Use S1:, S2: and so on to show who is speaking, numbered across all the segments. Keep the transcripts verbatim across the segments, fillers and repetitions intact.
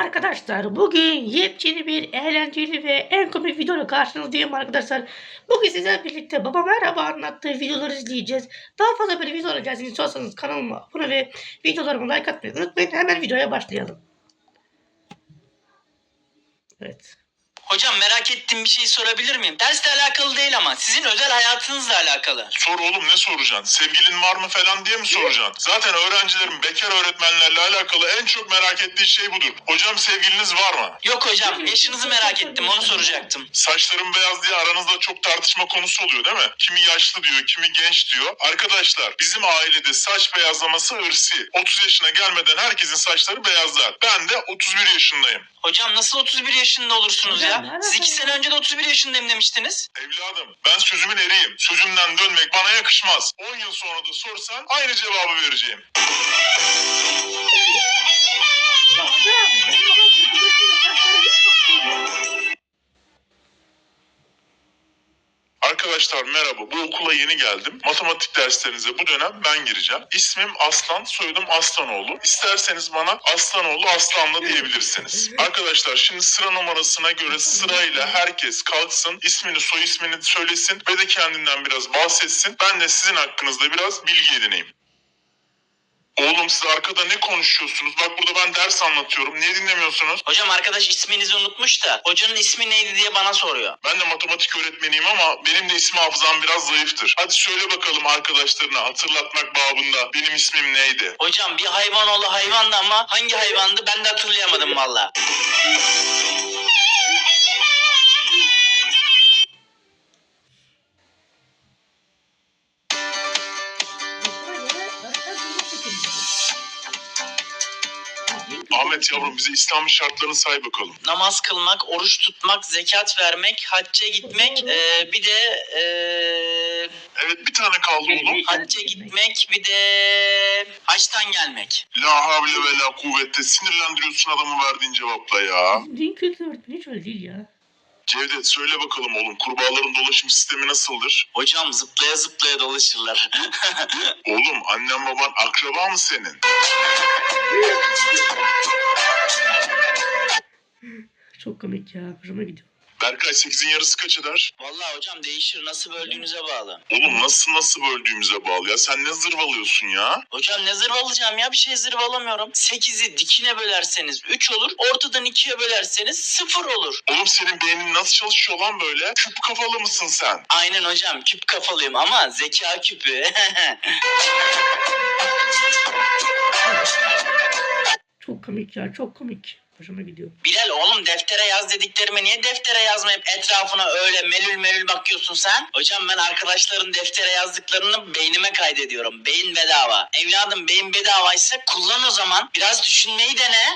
S1: Arkadaşlar bugün yepyeni bir eğlenceli ve en komik videoyla karşınızdayım arkadaşlar. Bugün sizlerle birlikte Baba Merhaba anlattığı videoları izleyeceğiz. Daha fazla böyle video alacağız. İstiyorsanız kanalıma abone ve videolarıma like atmayı unutmayın. Hemen videoya başlayalım. Evet.
S2: Hocam merak ettiğim bir şey sorabilir miyim? Dersle alakalı değil ama sizin özel hayatınızla alakalı.
S3: Sor oğlum, ne soracaksın? Sevgilin var mı falan diye mi soracaksın? Zaten öğrencilerin bekar öğretmenlerle alakalı en çok merak ettiği şey budur. Hocam sevgiliniz var mı?
S2: Yok hocam, yaşınızı merak ettim, onu soracaktım.
S3: Saçlarım beyaz diye aranızda çok tartışma konusu oluyor değil mi? Kimi yaşlı diyor, kimi genç diyor. Arkadaşlar bizim ailede saç beyazlaması ırsi. otuz yaşına gelmeden herkesin saçları beyazlar. Ben de otuz bir yaşındayım.
S2: Hocam nasıl otuz bir yaşında olursunuz ya? Siz iki sene önce de otuz bir yaşındayım demiştiniz.
S3: Evladım, ben sözümün eriyim. Sözümden dönmek bana yakışmaz. on yıl sonra da sorsan aynı cevabı vereceğim. Arkadaşlar merhaba, bu okula yeni geldim. Matematik derslerinize bu dönem ben gireceğim. İsmim Aslan, soyadım Aslanoğlu. İsterseniz bana Aslanoğlu Aslanlı diyebilirsiniz. Arkadaşlar şimdi sıra numarasına göre sırayla herkes kalksın, ismini soy ismini söylesin ve de kendinden biraz bahsetsin. Ben de sizin hakkınızda biraz bilgi edineyim. Oğlum siz arkada ne konuşuyorsunuz? Bak burada ben ders anlatıyorum. Niye dinlemiyorsunuz?
S2: Hocam arkadaş isminizi unutmuş da hocanın ismi neydi diye bana soruyor.
S3: Ben de matematik öğretmeniyim ama benim de isim hafızam biraz zayıftır. Hadi söyle bakalım arkadaşlarına hatırlatmak babında benim ismim neydi?
S2: Hocam bir hayvan oğlu hayvandı ama hangi hayvandı ben de hatırlayamadım valla.
S3: Ahmet yavrum bize İslam'ın şartlarını say bakalım.
S2: Namaz kılmak, oruç tutmak, zekat vermek, hacca gitmek, ee, bir de ee,
S3: Evet bir tane kaldı oğlum.
S2: hacca gitmek, bir de haçtan gelmek.
S3: La havle ve la kuvvette, sinirlendiriyorsun adamı verdiğin cevapla ya.
S1: Din kültürü öğretmeni hiç öyle değil ya.
S3: Cevdet söyle bakalım oğlum, kurbağaların dolaşım sistemi nasıldır?
S2: Hocam zıplaya zıplaya dolaşırlar.
S3: Oğlum annen baban akraba mı senin?
S1: Çok komik ya. Hoşuma gidiyor.
S3: Berkay sekizin yarısı kaç eder?
S2: Vallahi hocam değişir, nasıl böldüğünüze bağlı.
S3: Oğlum nasıl nasıl böldüğümüze bağlı ya. Sen ne zırvalıyorsun ya?
S2: Hocam ne zırvalayacağım ya, bir şey zırvalamıyorum. sekizi dikine bölerseniz üç olur, ortadan ikiye bölerseniz sıfır olur.
S3: Oğlum senin beynin nasıl çalışıyor lan böyle? Küp kafalı mısın sen?
S2: Aynen hocam, küp kafalıyım ama zeka küpü.
S1: Çok komik ya. Çok komik. Hoşuma gidiyor.
S2: Bilal oğlum, deftere yaz dediklerimi niye deftere yazmayıp etrafına öyle melül melül bakıyorsun sen? Hocam ben arkadaşların deftere yazdıklarını beynime kaydediyorum. Beyin bedava. Evladım beyin bedavaysa kullan o zaman. Biraz düşünmeyi dene.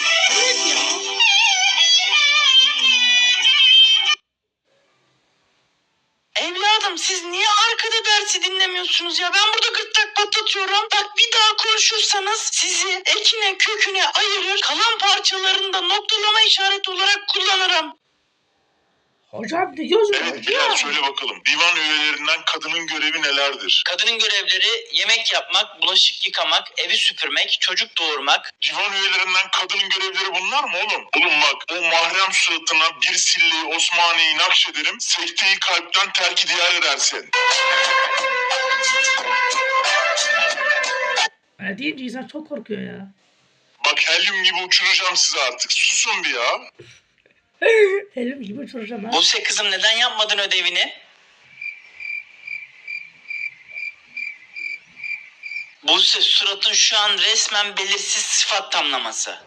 S2: Evladım siz niye arkada dersi dinlemiyorsunuz ya? Ben burada gırtlak patlatıyorum. Bak bir daha konuşursanız sizi ekine köküne ayırır, kalan parçalarını da noktalama işareti olarak kullanırım.
S1: Hocam ne diyorsun?
S3: Evet Bilal söyle bakalım. Divan üyelerinden kadının görevi nelerdir?
S2: Kadının görevleri yemek yapmak, bulaşık yıkamak, evi süpürmek, çocuk doğurmak.
S3: Divan üyelerinden kadının görevleri bunlar mı oğlum? Oğlum bak o mahrem suratına bir silleyi Osmaniye'yi nakşederim. Sekteyi kalpten terki diyar edersin.
S1: Öyle deyince insan çok korkuyor ya.
S3: Bak helyum gibi uçuracağım sizi artık. Susun bir ya.
S1: Elim gibi uçuracağım ha.
S2: Buse kızım neden yapmadın ödevini? Buse suratın şu an resmen belirsiz sıfat tamlaması.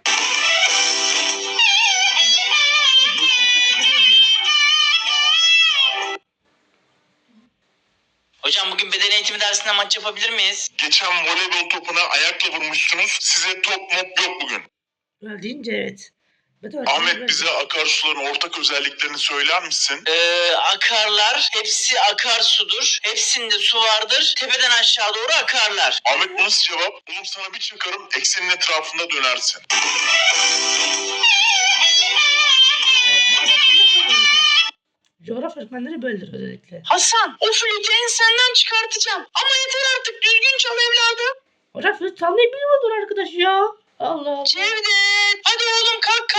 S2: Hocam bugün beden eğitimi dersinde maç yapabilir miyiz?
S3: Geçen voleybol topuna ayakla vurmuşsunuz. Size top mop yok bugün.
S1: Öyle deyince evet. Ben de
S3: Ahmet bize akarsuların ortak özelliklerini söyler misin?
S2: Ee, akarlar, hepsi akarsudur. Hepsinde su vardır. Tepeden aşağı doğru akarlar.
S3: Ahmet bu nasıl cevap? Oğlum sana bir çakarım eksenin etrafında dönersin.
S1: Coğrafya öğretmenleri böyledir özellikle.
S2: Hasan, o flütü ensenden çıkartacağım. Ama yeter artık, düzgün çal evladım.
S1: Hocam flüt çalmayı bilmiyordur arkadaş ya. Allah Allah.
S2: Cevdet, hadi oğlum kalk kalk.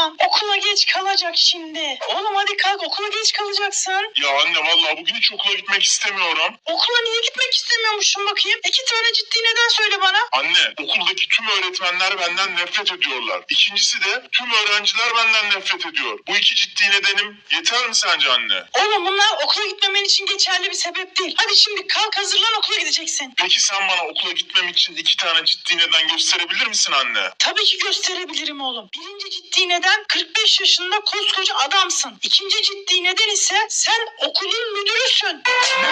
S2: Hasan okula geç kalacak şimdi. Oğlum hadi kalk, okula geç kalacaksın.
S3: Ya anne vallahi bugün hiç okula gitmek istemiyorum.
S2: Okula niye gitmek istemiyormuşsun bakayım? İki tane ciddi neden söyle bana.
S3: Anne, okuldaki tüm öğretmenler benden nefret ediyorlar. İkincisi de tüm öğrenciler benden nefret ediyor. Bu iki ciddi nedenim yeter mi sence anne?
S2: Oğlum bunlar okula gitmemen için geçerli bir sebep değil. Hadi şimdi kalk, hazırlan, okula gideceksin.
S3: Peki sen bana okula gitmem için iki tane ciddi neden gösterebilir misin anne?
S2: Tabii ki gösterebilirim oğlum. Birinci ciddi neden kırk beş yaşında koskoca adamsın. İkinci ciddi neden ise sen okulun müdürüsün.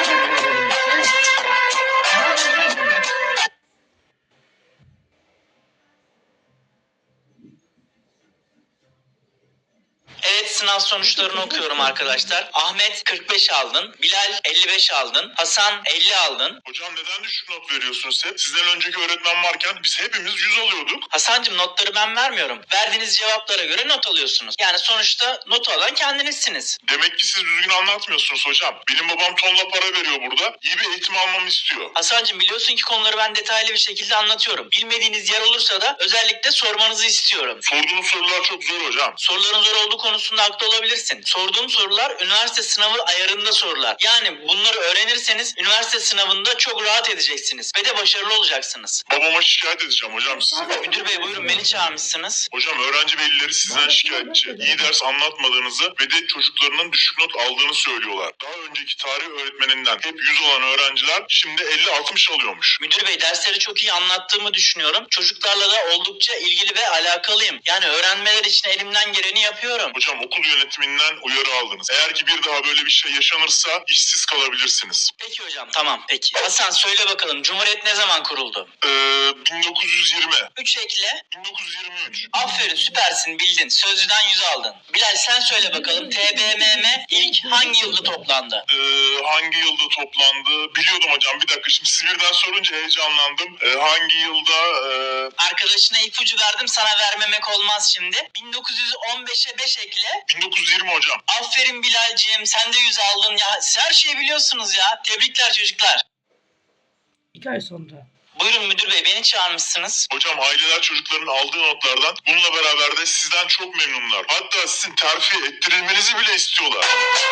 S2: Evet, sınav sonuçlarını okuyorum arkadaşlar. Ahmet kırk beş aldın, Bilal elli beş aldın, Hasan elli aldın.
S3: Hocam neden düşük not veriyorsunuz hep? Sizden önceki öğretmen varken biz hepimiz yüz alıyorduk.
S2: Hasancığım, notları ben vermiyorum. Verdiğiniz cevaplara göre not alıyorsunuz. Yani sonuçta notu alan kendinizsiniz.
S3: Demek ki siz düzgün anlatmıyorsunuz hocam. Benim babam tonla para veriyor burada. İyi bir eğitim almamı istiyor.
S2: Hasancığım, biliyorsun ki konuları ben detaylı bir şekilde anlatıyorum. Bilmediğiniz yer olursa da özellikle sormanızı istiyorum.
S3: Sorduğunuz sorular çok zor hocam.
S2: Soruların zor olduğu konusunda haklı olabilirsin. Sorduğum sorular üniversite sınavı ayarında sorular. Yani bunları öğrenirseniz üniversite sınavında çok rahat edeceksiniz ve de başarılı olacaksınız.
S3: Babama şikayet edeceğim hocam size.
S2: Müdür bey, buyurun, beni çağırmışsınız.
S3: Hocam öğrenci velileri sizden şikayetçi. İyi ders anlatmadığınızı ve de çocuklarının düşük not aldığını söylüyorlar. Daha önceki tarih öğretmeninden hep yüz olan öğrenciler şimdi elli altmış alıyormuş.
S2: Müdür bey, dersleri çok iyi anlattığımı düşünüyorum. Çocuklarla da oldukça ilgili ve alakalıyım. Yani öğrenmeler için elimden geleni yapıyorum.
S3: Hocam okul yönetiminden uyarı aldınız. Eğer ki bir daha böyle bir şey yaşanırsa işsiz kalabilirsiniz.
S2: Peki hocam, tamam peki. Hasan, söyle bakalım, Cumhuriyet ne zaman kuruldu?
S3: Ee, bin dokuz yüz yirmi.
S2: üç ekle.
S3: bin dokuz yüz yirmi üç.
S2: Aferin, süpersin, bildin. Sözlüden yüz aldın. Bilal, sen söyle bakalım, T B M M ilk hangi yılda toplandı?
S3: Ee, hangi yılda toplandı? Biliyordum hocam, bir dakika, şimdi siz birden sorunca heyecanlandım. Ee, hangi yılda? E...
S2: Arkadaşına ipucu verdim, sana vermemek olmaz şimdi. bin dokuz yüz on beşe beş ekle.
S3: bin dokuz yüz yirmi hocam.
S2: Aferin Bilal'ciğim, sen de yüz aldın ya. Siz her şeyi biliyorsunuz ya. Tebrikler çocuklar.
S1: İki ay sonra.
S2: Buyurun müdür bey, beni çağırmışsınız.
S3: Hocam aileler çocukların aldığı notlardan bununla beraber de sizden çok memnunlar. Hatta sizin terfi ettirilmenizi bile istiyorlar.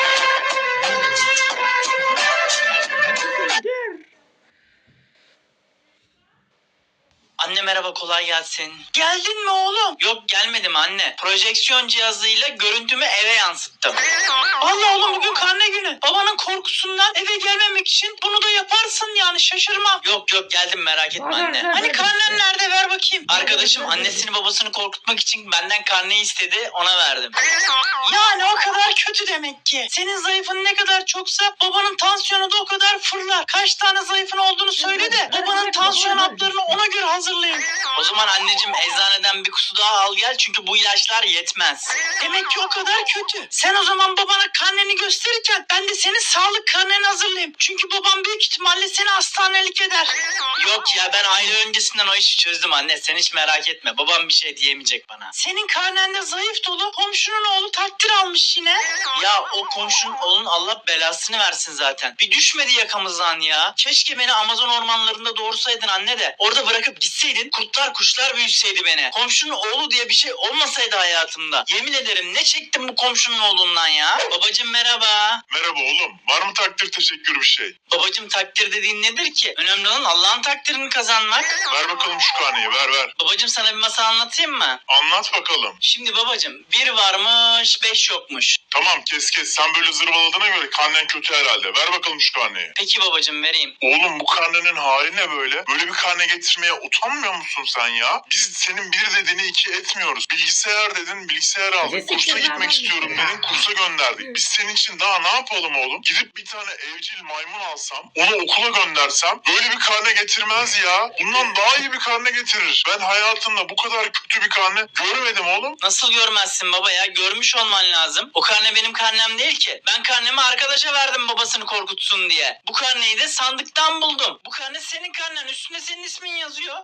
S2: Anne merhaba, kolay gelsin. Geldin mi oğlum? Yok, gelmedim anne. Projeksiyon cihazıyla görüntümü eve yansıttım. Allah, oğlum bugün karne günü. Babanın korkusundan eve gelmemek için bunu da yaparsın yani, şaşırmam. Yok yok, geldim, merak etme anne. Hani karnen nerede, ver bakayım. Arkadaşım annesini babasını korkutmak için benden karneyi istedi, ona verdim. Yani o kadar kötü demek ki. Senin zayıfın ne kadar çoksa babanın tansiyonu da o kadar fırlar. Kaç tane zayıfın olduğunu söyle de babanın tansiyon haplarını ona göre hazırlayın. O zaman anneciğim, eczaneden bir kutu daha al gel, çünkü bu ilaçlar yetmez. Demek ki o kadar kötü. Sen o zaman babana karneni gösterirken ben de senin sağlık karneni hazırlayayım. Çünkü babam büyük ihtimalle seni hastanelik eder. Yok ya, ben aile öncesinden o işi çözdüm anne, sen hiç merak etme. Babam bir şey diyemeyecek bana. Senin karnende zayıf dolu, komşunun oğlu takdir almış yine. Ya o komşunun oğlunun Allah belasını versin zaten. Bir düşmedi yakamızdan ya. Keşke beni Amazon ormanlarında doğursaydın anne de orada bırakıp gitseydin, kurtlar kuşlar büyütseydi beni. Komşunun oğlu diye bir şey olmasaydı hayatımda. Yemin ederim ne çektim bu komşunun oğlundan ya. Babacım merhaba.
S3: Merhaba oğlum. Var mı takdir teşekkür bir şey?
S2: Babacım, takdir dediğin nedir ki? Önemli olan Allah'ın takdirini kazanmak.
S3: Ver bakalım şu karneyi, ver ver.
S2: Babacım, sana bir masal anlatayım mı?
S3: Anlat bakalım.
S2: Şimdi babacım, bir varmış beş yokmuş.
S3: Tamam kes kes, sen böyle zırvaladığına göre karnen kötü herhalde. Ver bakalım şu karneyi.
S2: Peki babacım, vereyim.
S3: Oğlum bu karnenin hali ne böyle? Böyle bir karne getirmeye utanmıyor musun sen ya? Biz senin bir dediğini iki etmiyoruz. Bilgisayar dedin, bilgisayar aldık. Kursa gitmek istiyorum dedin, kursa gönderdik. Biz senin için daha ne yapalım oğlum? Gidip bir tane evcil maymun alsam, onu okula göndersem böyle bir karne getirmez ya. Bundan daha iyi bir karne getirir. Ben hayatımda bu kadar kötü bir karne görmedim oğlum.
S2: Nasıl görmezsin baba ya? Görmüş olman lazım. O karne benim karnem değil ki. Ben karnemi arkadaşa verdim babasını korkutsun diye. Bu karneyi de sandıktan buldum. Bu karne senin karnen. Üstünde senin ismin yazıyor.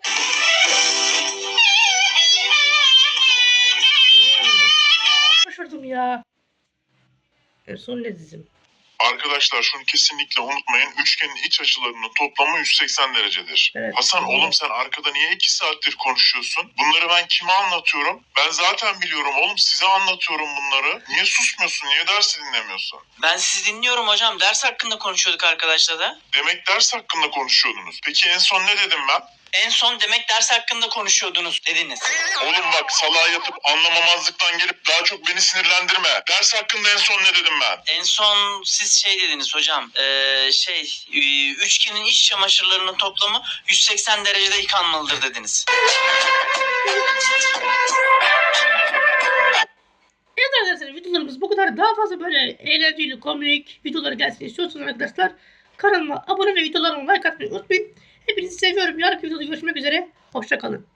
S1: Şaşırdım ya. En son ne dizim?
S3: Arkadaşlar şunu kesinlikle unutmayın. Üçgenin iç açılarının toplamı yüz seksen derecedir.
S1: Evet.
S3: Hasan oğlum sen arkada niye iki saattir konuşuyorsun? Bunları ben kime anlatıyorum? Ben zaten biliyorum oğlum, size anlatıyorum bunları. Niye susmuyorsun? Niye dersi dinlemiyorsun?
S2: Ben sizi dinliyorum hocam. Ders hakkında konuşuyorduk arkadaşlar da.
S3: Demek ders hakkında konuşuyordunuz. Peki en son ne dedim ben?
S2: En son demek ders hakkında konuşuyordunuz dediniz.
S3: Oğlum bak, salağa yatıp anlamamazlıktan gelip daha çok beni sinirlendirme. Ders hakkında en son ne dedim ben?
S2: En son siz şey dediniz hocam. Ee, şey e, üçgenin iç çamaşırlarının toplamı yüz seksen derecede yıkanmalıdır dediniz.
S1: Evet arkadaşlar, videolarımız bu kadar. Daha fazla böyle eğlenceli, komik videolar gelsin istiyorsanız arkadaşlar kanalıma abone ve videolarıma like atmayı unutmayın. Hepinizi seviyorum. Yarınki videoda görüşmek üzere. Hoşça kalın.